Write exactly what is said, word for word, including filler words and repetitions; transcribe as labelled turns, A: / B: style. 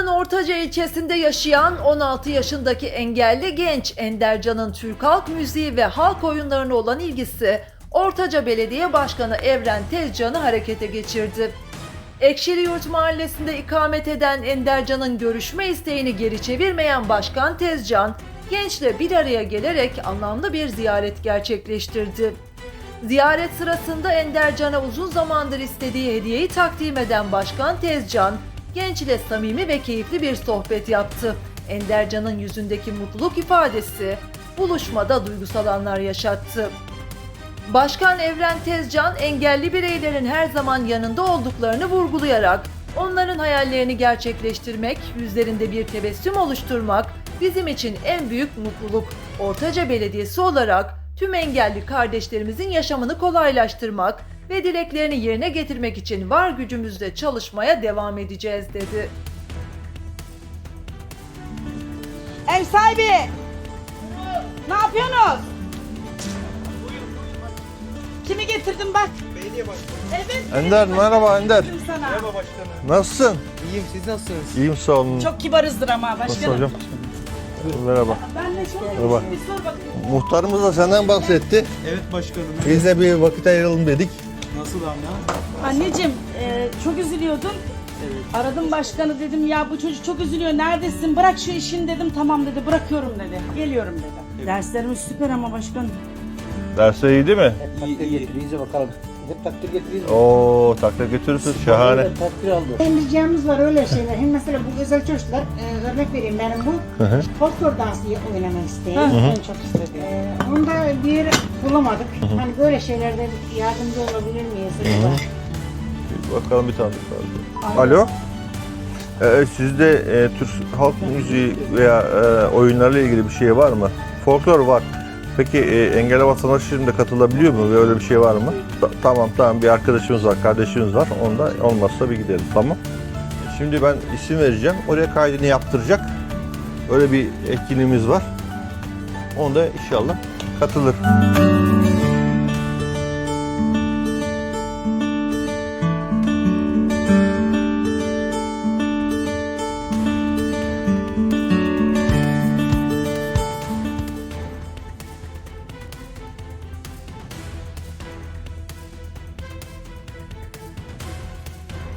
A: Bursa'nın Ortaca ilçesinde yaşayan on altı yaşındaki engelli genç Endercan'ın Türk halk müziği ve halk oyunlarına olan ilgisi Ortaca Belediye Başkanı Evren Tezcan'ı harekete geçirdi. Ekşiliyurt Mahallesi'nde ikamet eden Endercan'ın görüşme isteğini geri çevirmeyen Başkan Tezcan, gençle bir araya gelerek anlamlı bir ziyaret gerçekleştirdi. Ziyaret sırasında Endercan'a uzun zamandır istediği hediyeyi takdim eden Başkan Tezcan, gençle samimi ve keyifli bir sohbet yaptı. Endercan'ın yüzündeki mutluluk ifadesi buluşmada duygusal anlar yaşattı. Başkan Evren Tezcan, engelli bireylerin her zaman yanında olduklarını vurgulayarak, onların hayallerini gerçekleştirmek, yüzlerinde bir tebessüm oluşturmak bizim için en büyük mutluluk. Ortaca Belediyesi olarak tüm engelli kardeşlerimizin yaşamını kolaylaştırmak ve dileklerini yerine getirmek için var gücümüzle çalışmaya devam edeceğiz dedi.
B: Ev sahibi! Ne yapıyorsunuz? Kimi getirdim bak?
C: Belediye başkanı.
B: Evet.
D: Ender merhaba Ender.
B: getirdim sana.
C: Merhaba başkanım.
D: Nasılsın?
C: İyiyim, siz nasılsınız?
D: İyiyim sağ olun.
B: Çok kibarızdır ama
D: Nasıl
B: başkanım.
D: hocam? Merhaba.
B: Ben de çok
D: Merhaba.
B: bir sor bakayım.
D: Muhtarımız da senden bahsetti.
C: Evet başkanım.
D: Biz de bir vakit ayıralım dedik.
C: Nasıl anne?
B: Anneciğim e, çok üzülüyordun. Aradım başkanı, dedim ya bu çocuk çok üzülüyor, neredesin, bırak şu işini dedim. Tamam dedi, bırakıyorum dedi, geliyorum dedi. Derslerimiz süper ama başkanım.
D: Dersler iyi değil mi?
C: İyi, iyi.
E: Getirinize bakalım. Hep takdir getiriniz.
D: Oo takdir götürürsün şahane.
E: Evet, takdir aldı.
F: Emricamız var öyle şeyler. Hem mesela bu özel çocuklar, e, örnek vereyim benim bu. Folklor dansı oynamak isteyen.
B: En çok istediğim.
F: E, onda bir yer bulamadık. Hani böyle şeylerde yardımcı olabilir miyiz acaba?
D: Bakalım bir tane daha. Alo. Ee, sizde e, Türk halk müziği veya e, oyunlarla ilgili bir şey var mı? Folklor var. Peki e, engelli vatandaş şimdi katılabiliyor mu? Böyle bir şey var mı? Ta- tamam tamam bir arkadaşımız var, kardeşimiz var. Onda olmazsa bir gidelim. Tamam. Şimdi ben isim vereceğim. Oraya kaydını yaptıracak. Öyle bir etkinliğimiz var. Onda inşallah katılır.